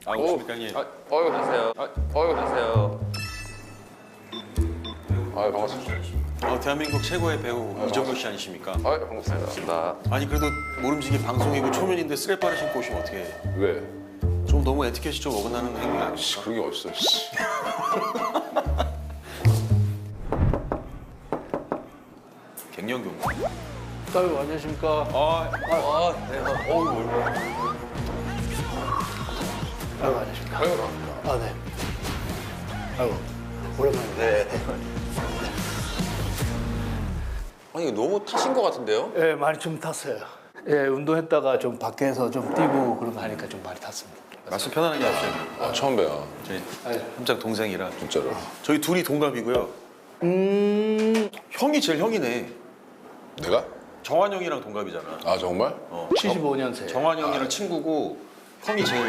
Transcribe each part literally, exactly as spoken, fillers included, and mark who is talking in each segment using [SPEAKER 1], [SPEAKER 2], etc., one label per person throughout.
[SPEAKER 1] 아, 오십니까 형님?
[SPEAKER 2] 아, 어유 안녕하세요. 아, 어유 안녕하세요.
[SPEAKER 3] 아 반갑습니다.
[SPEAKER 1] 어, 대한민국 최고의 배우 이정표 씨 아니십니까?
[SPEAKER 2] 아, 반갑습니다.
[SPEAKER 1] 아니 그래도 모름지기 방송이고 초면인데 쓰레빠를 신고 오시면 어떻게 해?
[SPEAKER 3] 왜?
[SPEAKER 1] 좀 너무 에티켓이 좀 어긋나는 행위 아니야?
[SPEAKER 3] 씨, 그런 게 어딨어. 씨.
[SPEAKER 1] 갱년경.
[SPEAKER 4] 아유, 안녕하십니까.
[SPEAKER 1] 아,
[SPEAKER 2] 아, 네. 어우, 뭘.
[SPEAKER 4] 아유, 안녕하십니까.
[SPEAKER 3] 아유 반갑습니다.
[SPEAKER 4] 아, 네. 아유, 오랜만에. 네.
[SPEAKER 2] 아니, 이거 너무 타신 것 같은데요?
[SPEAKER 4] 예, 네, 많이 좀 탔어요. 예, 운동했다가 좀 밖에서 좀 뛰고 그런 거 하니까 좀 많이 탔습니다.
[SPEAKER 1] 말씀 편안하게 하세요.
[SPEAKER 3] 아 처음 봬요.
[SPEAKER 1] 저희 함장 동생이라.
[SPEAKER 3] 진짜로.
[SPEAKER 1] 저희 둘이 동갑이고요.
[SPEAKER 4] 음,
[SPEAKER 1] 형이 제일 형이네.
[SPEAKER 3] 내가?
[SPEAKER 1] 정환 형이랑 동갑이잖아.
[SPEAKER 3] 아 정말?
[SPEAKER 1] 어,
[SPEAKER 4] 칠십오 년생.
[SPEAKER 1] 정환 형이랑 친구고 형이 제일.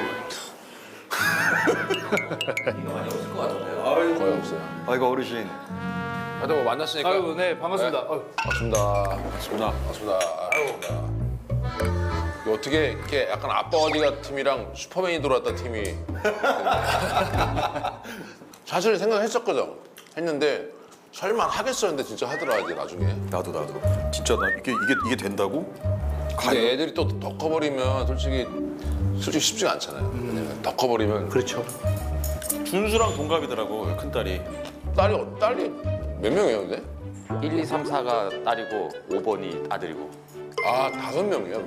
[SPEAKER 3] 거의 없어요.
[SPEAKER 1] 아이고 어르신.
[SPEAKER 3] 하여튼 뭐 만났으니까.
[SPEAKER 4] 아유, 네, 반갑습니다. 아유.
[SPEAKER 3] 반갑습니다.
[SPEAKER 1] 반갑습니다.
[SPEAKER 3] 반갑습니다. 반갑습니다. 이거 어떻게 이렇게 약간 아빠 어디가 팀이랑 슈퍼맨이 돌아왔다 팀이. 사실 생각했었거든. 했는데 설마 하겠어 했는데 진짜 하더라 이제 나중에.
[SPEAKER 1] 나도 나도. 진짜 나 이게 이게 이게 된다고?
[SPEAKER 3] 근데 애들이 또 더 커버리면 솔직히 솔직히 쉽지가 않잖아요. 왜냐면 더 커버리면
[SPEAKER 4] 그렇죠.
[SPEAKER 1] 준수랑 동갑이더라고 큰 딸이.
[SPEAKER 3] 딸이 어- 딸이 몇 명이에요 근데?
[SPEAKER 2] 일, 이, 삼, 사가 딸이고 오 번이 아들이고.
[SPEAKER 3] 아 다섯 명이야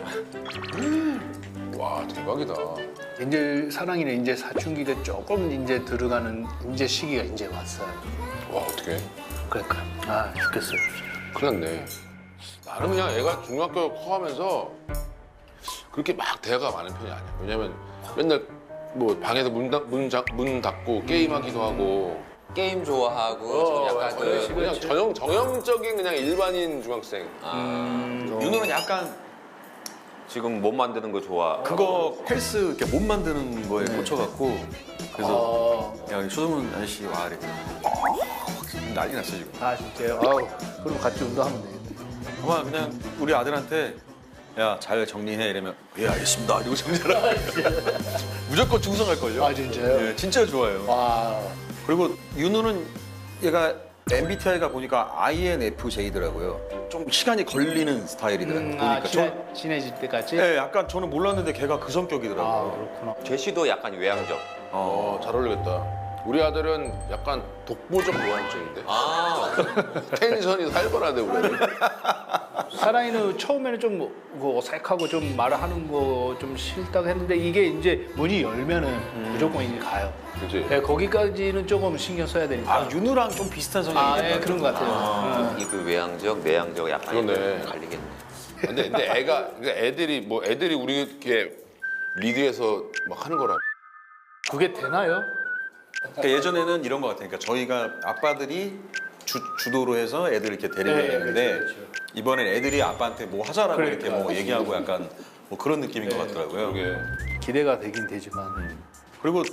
[SPEAKER 3] 그러면? 와 대박이다.
[SPEAKER 4] 이제 사랑이는 이제 사춘기가 조금 이제 들어가는 이제 시기가 이제 왔어요.
[SPEAKER 3] 와 어떡해.
[SPEAKER 4] 그러니까 아 죽겠어요.
[SPEAKER 3] 큰일 났네. 나는 그냥 애가 중학교 커가면서 그렇게 막 대화가 많은 편이 아니야. 왜냐면 맨날 뭐 방에서 문, 닫, 문, 자, 문 닫고 게임하기도 하고
[SPEAKER 2] 게임 좋아하고
[SPEAKER 3] 어,
[SPEAKER 2] 좀 약간
[SPEAKER 3] 그냥,
[SPEAKER 2] 그
[SPEAKER 3] 그냥 전형, 전형적인 그냥 일반인 중학생.
[SPEAKER 1] 윤호는 약간
[SPEAKER 2] 지금 못 만드는 거 좋아.
[SPEAKER 1] 그거 헬스 이렇게 몸 만드는 거에 꽂혀갖고 그래서
[SPEAKER 4] 어,
[SPEAKER 1] 야 수정은 아저씨 와 이래. 난리 났어 지금.
[SPEAKER 4] 아 진짜요? 아우, 그럼 같이 운동하면 되겠네.
[SPEAKER 1] 아마 그냥 우리 아들한테 야 잘 정리해 이러면 예 알겠습니다 이러고 정리를 하고 무조건 충성할걸요.
[SPEAKER 4] 아 진짜요?
[SPEAKER 1] 예, 진짜 좋아요.
[SPEAKER 4] 와,
[SPEAKER 1] 그리고 윤우는 얘가 엠비티아이가 보니까 아이엔에프제이더라고요. 좀 시간이 걸리는 스타일이더라고요.
[SPEAKER 4] 음,
[SPEAKER 1] 보니까
[SPEAKER 4] 아, 친해, 친해질 때까지?
[SPEAKER 1] 저, 예, 약간 저는 몰랐는데 걔가 그
[SPEAKER 4] 아
[SPEAKER 1] 성격이더라고요.
[SPEAKER 4] 그렇구나.
[SPEAKER 2] 제시도 약간 외향적.
[SPEAKER 3] 어, 잘 어울리겠다. 우리 아들은 약간 독보적 노안증인데
[SPEAKER 2] 아,
[SPEAKER 3] 텐션이 살벌하대 우리 아들.
[SPEAKER 4] 사랑이는 처음에는 좀 뭐 어색하고 좀 말하는 거 좀 싫다고 했는데 이게 이제 문이 열면은 무조건 이제 가요.
[SPEAKER 3] 그치?
[SPEAKER 4] 네, 거기까지는 조금 신경 써야 되니까.
[SPEAKER 1] 아 윤우랑 좀 비슷한 성향이
[SPEAKER 4] 아,
[SPEAKER 1] 있는
[SPEAKER 4] 예,
[SPEAKER 1] 것
[SPEAKER 4] 그런 것 같아요. 음.
[SPEAKER 2] 이 그 외향적, 내향적 약간
[SPEAKER 3] 그러네.
[SPEAKER 2] 갈리겠네.
[SPEAKER 3] 근데, 근데 애가 그러니까 애들이 뭐 애들이 우리 이렇게 리드해서 막 하는 거라.
[SPEAKER 4] 그게 되나요?
[SPEAKER 1] 그러니까 예전에는 이런 것 같아요. 그러니까 저희가 아빠들이 주, 주도로 해서 애들 이렇게 데리고
[SPEAKER 4] 네,
[SPEAKER 1] 다니는데
[SPEAKER 4] 그렇죠, 그렇죠.
[SPEAKER 1] 이번엔 애들이 아빠한테 뭐 하자라고
[SPEAKER 4] 그러니까.
[SPEAKER 1] 이렇게 뭐 얘기하고 약간 뭐 그런 느낌인 것 같더라고요.
[SPEAKER 3] 그게
[SPEAKER 4] 기대가 되긴 되지만.
[SPEAKER 1] 그리고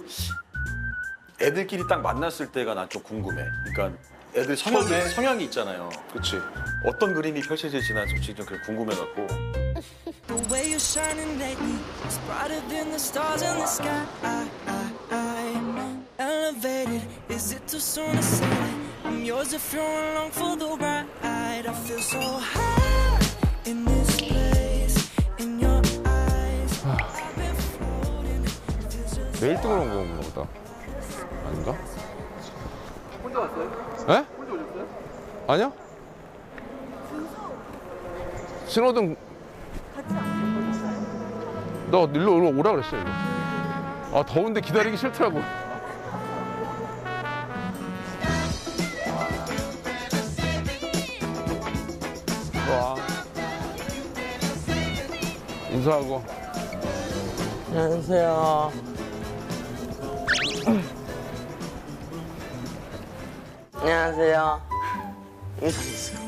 [SPEAKER 1] 애들끼리 딱 만났을 때가 난 좀 궁금해. 그러니까 애들 성향이,
[SPEAKER 4] 처음에?
[SPEAKER 1] 성향이 있잖아요.
[SPEAKER 3] 그치?
[SPEAKER 1] 어떤 그림이 펼쳐질지 난 솔직히 좀 그게 궁금해갖고.
[SPEAKER 5] The way you're shining lately is brighter than the stars in the sky. Elevated, is it too soon to say that I'm yours if you're along for the ride? I feel so high in this place, in your eyes. I've been floating, feels just
[SPEAKER 3] 내일 뜨거운 건가 보다. 아닌가? 혼자 왔어요? 에? 혼자 오셨어요? 아니요. 신호등 너 일로 일로 오라 그랬어 일로. 아 더운데 기다리기 싫더라고. 와. 인사하고.
[SPEAKER 6] 안녕하세요. 안녕하세요. 인사했어요.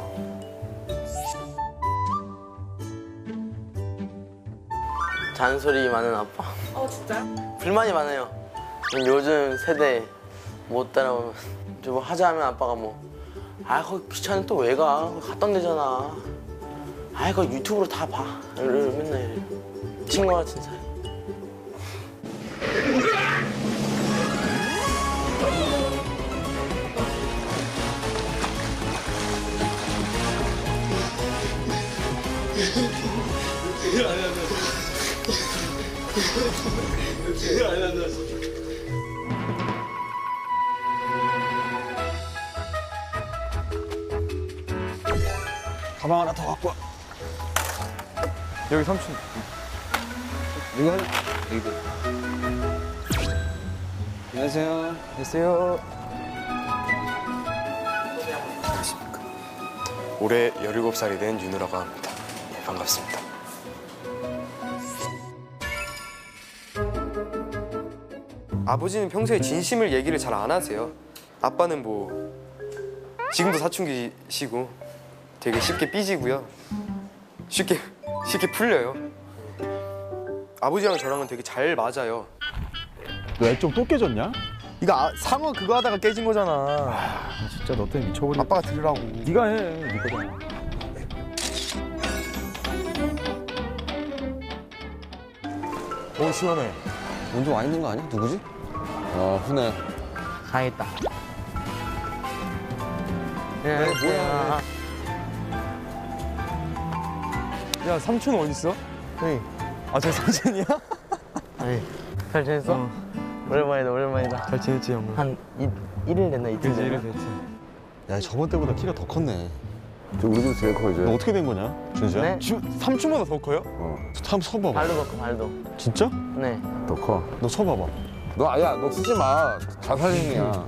[SPEAKER 6] 잔소리 많은 아빠.
[SPEAKER 7] 어 진짜요?
[SPEAKER 6] 불만이 많아요. 요즘 세대 못 따라오면 좀 뭐 하자 하면 아빠가 뭐 아 거기 귀찮은 또 왜 가? 거기 갔다 온대잖아. 아 그거 유튜브로 다 봐. 이러- 맨날 이래. 친구 같은 사이.
[SPEAKER 1] 가방 하나 더 갖고 와.
[SPEAKER 7] 여기 삼촌.
[SPEAKER 1] 이거 하나. 이거. 안녕하세요.
[SPEAKER 7] 안녕하세요.
[SPEAKER 8] 올해 열일곱 살이 된 윤우라고 합니다. 예, 반갑습니다. 아버지는 평소에 진심을 얘기를 잘 안 하세요. 아빠는 뭐 지금도 사춘기시고 되게 쉽게 삐지고요. 쉽게 쉽게 풀려요. 아버지랑 저랑은 되게 잘 맞아요.
[SPEAKER 7] 너 애 좀 또 깨졌냐?
[SPEAKER 8] 이거 아, 상어 그거 하다가 깨진 거잖아.
[SPEAKER 7] 아, 진짜 너 때문에 미쳐버리겠다.
[SPEAKER 8] 아빠가 들으라고.
[SPEAKER 7] 네가 해. 네 거잖아.
[SPEAKER 8] 오 시원해.
[SPEAKER 1] 먼저 와 있는 거 아니야? 누구지?
[SPEAKER 3] 아 훈해.
[SPEAKER 6] 가야겠다. 네,
[SPEAKER 8] 뭐야.
[SPEAKER 7] 야, 삼촌 어디 있어?
[SPEAKER 6] 네.
[SPEAKER 7] 아, 저 삼촌이야?
[SPEAKER 6] 아니, 잘 지냈어?
[SPEAKER 7] 어.
[SPEAKER 6] 오랜만이다, 오랜만이다.
[SPEAKER 7] 잘 지냈지, 형?
[SPEAKER 6] 한 이, 일일 됐나, 이틀
[SPEAKER 7] 그지,
[SPEAKER 6] 됐나?
[SPEAKER 7] 이래 됐지. 야, 저번 때보다 키가 더 컸네.
[SPEAKER 3] 우리 집 제일 커 이제.
[SPEAKER 7] 너 어떻게 된 거냐, 준수야?
[SPEAKER 6] 네?
[SPEAKER 7] 주, 삼촌보다 더 커요?
[SPEAKER 3] 어.
[SPEAKER 7] 한번 서봐봐.
[SPEAKER 6] 발도 넣고, 발도.
[SPEAKER 7] 진짜?
[SPEAKER 6] 네.
[SPEAKER 3] 더 커.
[SPEAKER 7] 너 서봐봐.
[SPEAKER 3] 너 아야 너 쓰지 마. 자살행위야.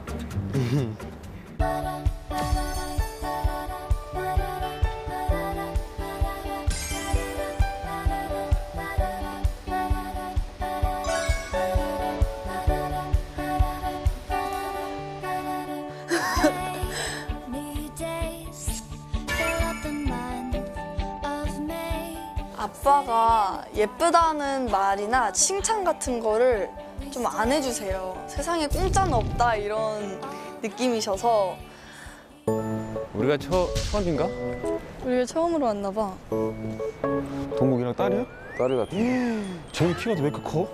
[SPEAKER 9] 아빠가 예쁘다는 말이나 칭찬 같은 거를 좀 안 해주세요. 세상에 공짜는 없다 이런 느낌이셔서.
[SPEAKER 2] 우리가 처, 처음인가?
[SPEAKER 9] 우리가 처음으로 왔나 봐.
[SPEAKER 7] 동국이랑 딸이야?
[SPEAKER 3] 딸이 같아.
[SPEAKER 7] 쟤는 키가 왜 이렇게 커?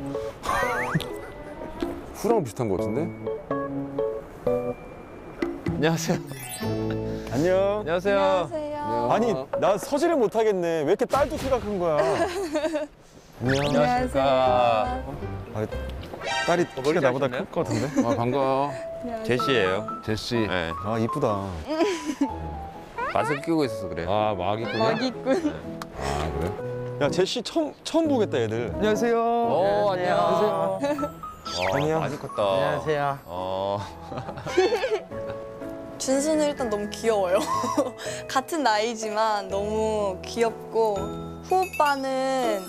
[SPEAKER 3] 후랑 비슷한 거 같은데?
[SPEAKER 2] 안녕하세요.
[SPEAKER 7] 안녕.
[SPEAKER 2] 안녕하세요.
[SPEAKER 9] 안녕하세요.
[SPEAKER 7] 아니, 나 서지를 못하겠네. 왜 이렇게 딸도 키가 큰 거야? 안녕.
[SPEAKER 2] 안녕하십니까.
[SPEAKER 7] 아, 딸이 키가 나보다
[SPEAKER 2] 자르셨나요?
[SPEAKER 7] 클 것 같은데?
[SPEAKER 3] 아 반가워.
[SPEAKER 2] 제시예요.
[SPEAKER 3] 제시.
[SPEAKER 2] 네.
[SPEAKER 7] 아, 이쁘다.
[SPEAKER 2] 마스크 끼고 있어서 그래요.
[SPEAKER 3] 아 마기꾼이야?
[SPEAKER 9] 마기꾼.
[SPEAKER 3] 아 그래?
[SPEAKER 7] 야, 제시 처음, 처음 보겠다, 애들. 안녕하세요.
[SPEAKER 2] 오, 안녕하세요. 와,
[SPEAKER 7] 안녕.
[SPEAKER 2] 많이 컸다.
[SPEAKER 6] 안녕하세요.
[SPEAKER 2] 어.
[SPEAKER 9] 준수는 일단 너무 귀여워요. 같은 나이지만 너무 귀엽고 후오빠는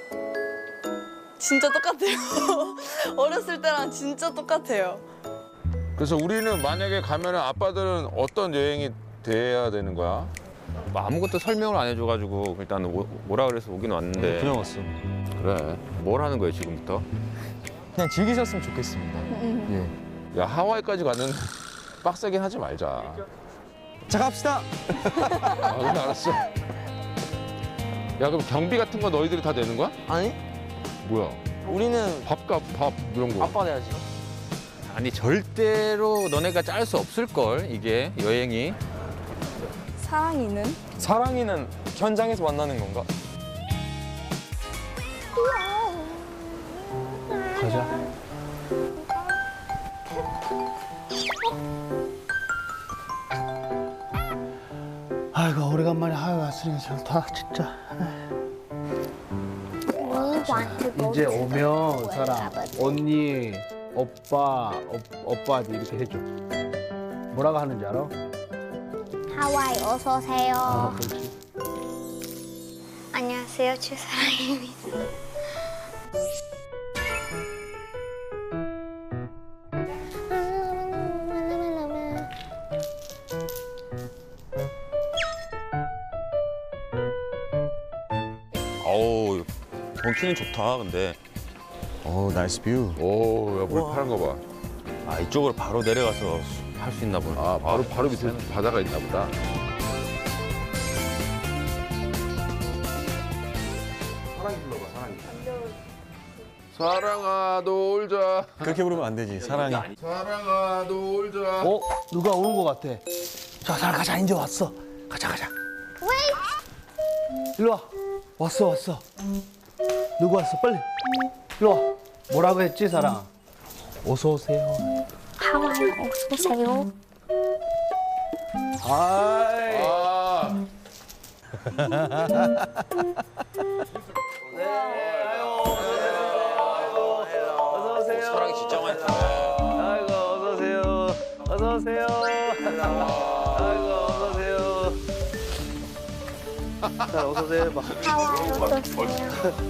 [SPEAKER 9] 진짜 똑같아요. 어렸을 때랑 진짜 똑같아요.
[SPEAKER 3] 그래서 우리는 만약에 가면은 아빠들은 어떤 여행이 돼야 되는 거야?
[SPEAKER 2] 뭐 아무것도 설명을 안 해줘가지고 일단 오, 오라 그래서 오긴 왔는데
[SPEAKER 7] 그냥 왔어.
[SPEAKER 3] 그래.
[SPEAKER 2] 뭘 하는 거예요 지금부터?
[SPEAKER 7] 그냥 즐기셨으면 좋겠습니다. 예.
[SPEAKER 3] 야 하와이까지 가는 빡세게 하지 말자.
[SPEAKER 7] 자, 갑시다.
[SPEAKER 3] 아 그래 알았어. 야 그럼 경비 같은 거 너희들이 다 내는 거야?
[SPEAKER 6] 아니,
[SPEAKER 3] 뭐야?
[SPEAKER 6] 우리는
[SPEAKER 3] 밥값 밥 이런 거.
[SPEAKER 6] 아빠가 내야지.
[SPEAKER 2] 아니 절대로 너네가 짤 수 없을 걸 이게 여행이.
[SPEAKER 9] 사랑이는?
[SPEAKER 7] 사랑이는 현장에서 만나는 건가?
[SPEAKER 4] 가자. 아이고 오래간만에 하와이 왔으니 좋다 진짜. 이제 오면 사람 언니, 오빠, 오, 오빠한테 이렇게 해줘. 뭐라고 하는지 알아?
[SPEAKER 10] 하와이 어서 오세요.
[SPEAKER 4] 아, 그렇지.
[SPEAKER 10] 안녕하세요, 최사랑입니다.
[SPEAKER 2] 어우 경치는 좋다 근데.
[SPEAKER 7] 오, 나이스 뷰.
[SPEAKER 3] 오야물 파란 거 봐.
[SPEAKER 2] 아 이쪽으로 바로 내려가서 할 수 있나 보네.
[SPEAKER 3] 아 바로 바로 밑에 바다가 있나 보다. 사랑아 놀자.
[SPEAKER 7] 그렇게 부르면 안 되지. 사랑이.
[SPEAKER 3] 사랑아 놀자.
[SPEAKER 4] 어? 누가 오는 것 같아. 자, 잘 가자. 이제 왔어. 가자, 가자. 일로 와. 왔어, 왔어. 누구 왔어? 빨리. 일로 와. 뭐라고 했지, 사랑? 어서 오세요.
[SPEAKER 10] 하와이 어서 오세요.
[SPEAKER 4] 하이.
[SPEAKER 3] 아.
[SPEAKER 4] 어서 오세요.
[SPEAKER 2] 사랑이 진짜 많다.
[SPEAKER 4] 아이고, 어서 오세요. 어서 오세요. 아이고, 어서 오세요. 자, 어서 오세요. 봐.
[SPEAKER 10] 하와이 어서 오세요.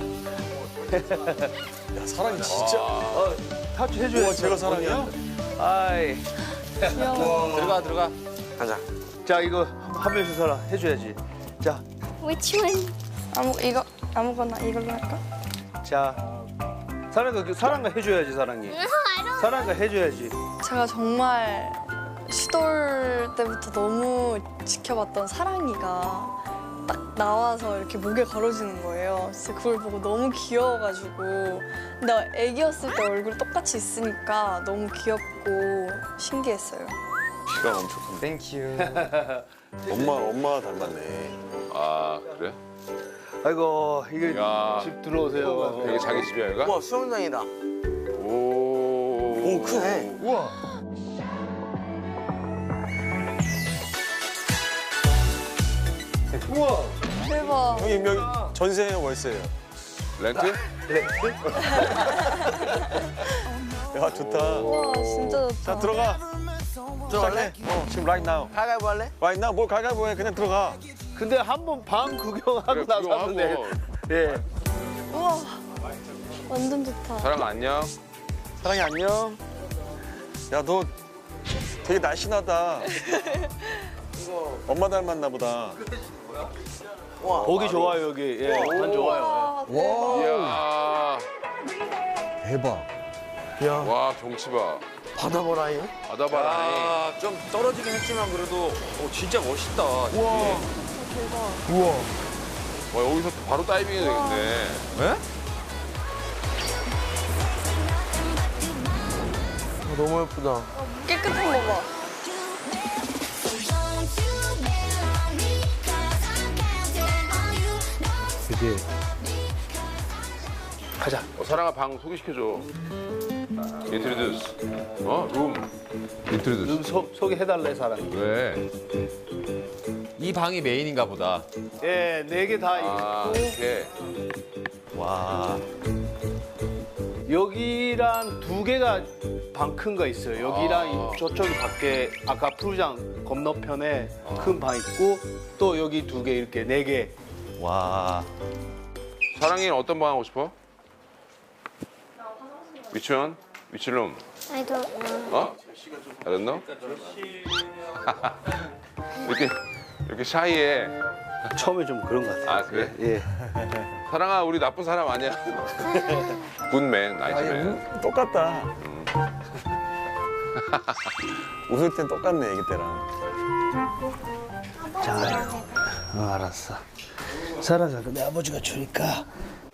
[SPEAKER 7] 야, 사랑이 진짜.
[SPEAKER 4] 어, 타투 해줘야
[SPEAKER 7] 와, 제가 사랑이야?
[SPEAKER 4] 아이.
[SPEAKER 2] 들어가 들어가.
[SPEAKER 6] 가자.
[SPEAKER 4] 자, 이거 한 명씩 살아 해줘야지. 자,
[SPEAKER 10] Which one?
[SPEAKER 9] 아무 이거 아무거나 이걸로 할까?
[SPEAKER 4] 자. 사랑가 사랑가 해줘야지 사랑이. 사랑가 해줘야지.
[SPEAKER 9] 제가 정말 시돌 때부터 너무 지켜봤던 사랑이가 딱 나와서 이렇게 목에 걸어주는 거예요. 진짜 그걸 보고 너무 귀여워가지고 나 애기였을 때 얼굴 똑같이 있으니까 너무 귀엽고 신기했어요.
[SPEAKER 1] 키가 엄청 큰데.
[SPEAKER 7] 땡큐. 엄마, 엄마 닮았네.
[SPEAKER 3] 아 그래?
[SPEAKER 4] 아이고 이게
[SPEAKER 3] 야.
[SPEAKER 4] 집 들어오세요.
[SPEAKER 3] 이게 자기 집이야 여기가?
[SPEAKER 6] 우와, 수영장이다.
[SPEAKER 3] 오.
[SPEAKER 6] 오, 크네.
[SPEAKER 4] 우와. 우와.
[SPEAKER 9] 대박.
[SPEAKER 7] 형님, 여기 전세예요, 월세예요?
[SPEAKER 3] 렌트?
[SPEAKER 7] 야, 좋다.
[SPEAKER 9] 와 진짜 좋다.
[SPEAKER 7] 자, 들어가.
[SPEAKER 6] 들어갈래?
[SPEAKER 7] 어, 지금 right now.
[SPEAKER 6] 가위바위보 할래?
[SPEAKER 7] right now. 뭘 가위바위보 해. 그냥 들어가.
[SPEAKER 4] 근데 한 번 방 구경하고
[SPEAKER 3] 그래,
[SPEAKER 4] 나섰는데.
[SPEAKER 3] 구경하고.
[SPEAKER 4] 예.
[SPEAKER 9] 우와 완전 좋다.
[SPEAKER 3] 사랑 안녕.
[SPEAKER 7] 사랑이 안녕. 야, 너 되게 날씬하다. 엄마 닮았나 보다.
[SPEAKER 6] 와.
[SPEAKER 4] 보기 좋아요 여기. 예. 난 좋아요.
[SPEAKER 9] 와
[SPEAKER 3] 이야.
[SPEAKER 9] 대박.
[SPEAKER 2] 대박.
[SPEAKER 6] 야,
[SPEAKER 3] 와 경치 봐.
[SPEAKER 6] 바다 보라, 이거.
[SPEAKER 3] 바다 봐라.
[SPEAKER 2] 아, 좀 떨어지긴 했지만 그래도 어, 진짜 멋있다.
[SPEAKER 9] 대박.
[SPEAKER 3] 와 여기서 바로 다이빙 해야 되겠네.
[SPEAKER 2] 네?
[SPEAKER 6] 아, 너무 예쁘다.
[SPEAKER 9] 깨끗한 거 봐.
[SPEAKER 4] 그지. 가자.
[SPEAKER 3] 어, 사랑아 방 소개시켜줘. 인트로듀스. 어? 룸. 인트로듀스.
[SPEAKER 4] 좀 소, 소개해달래 사람이.
[SPEAKER 3] 왜?
[SPEAKER 2] 이 방이 메인인가 보다.
[SPEAKER 4] 예, 네 개 다.
[SPEAKER 3] 아 이렇게.
[SPEAKER 7] 와.
[SPEAKER 4] 여기랑 두 개가 방 큰 거 있어요. 여기랑
[SPEAKER 3] 아.
[SPEAKER 4] 이- 저쪽이 밖에 아까 푸르장 건너편에 큰 방 있고 또 여기 두 개 이렇게 네 개.
[SPEAKER 7] 와.
[SPEAKER 3] 사랑이는 어떤 방 하고 싶어? Which one? Which room?
[SPEAKER 10] I don't know.
[SPEAKER 3] 어? I don't know? 이렇게 이렇게 샤이해.
[SPEAKER 4] 처음에 좀 그런 것 같아요.
[SPEAKER 3] 아 그래?
[SPEAKER 4] 예.
[SPEAKER 3] 사랑아 우리 나쁜 사람 아니야. 굿맨, 나이스맨.
[SPEAKER 7] 똑같다. 웃을 땐 똑같네, 애기 때랑.
[SPEAKER 4] 자, 어, 알았어. 사라가 내 아버지가 주니까.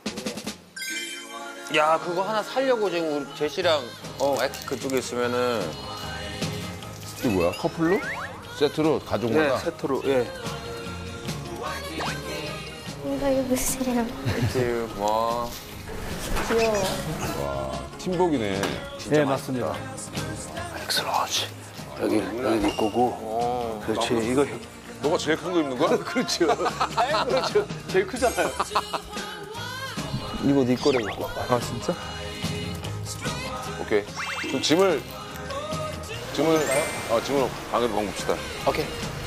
[SPEAKER 2] 야, 그거 하나 살려고 지금 우리 제시랑 어, 마이크 그쪽에 있으면은
[SPEAKER 3] 이게 뭐야? 커플로? 세트로
[SPEAKER 4] 예,
[SPEAKER 3] 가족마다?
[SPEAKER 4] 세트로. 예.
[SPEAKER 10] 이거 입으세요.
[SPEAKER 2] 와.
[SPEAKER 9] 귀여워.
[SPEAKER 3] 와 팀복이네.
[SPEAKER 4] 네, 맞습니다. 엑스러지. 여기 여기 네 거고. 그렇지. 이거
[SPEAKER 3] 너가 제일 큰 거 입는 거야?
[SPEAKER 4] 그렇죠. 아, 그렇죠. 제일 크잖아요. 이거 네 거라고.
[SPEAKER 7] 아, 진짜?
[SPEAKER 3] 오케이. 그럼 짐을 짐을 어 짐을 방으로 봅시다.
[SPEAKER 2] 오케이.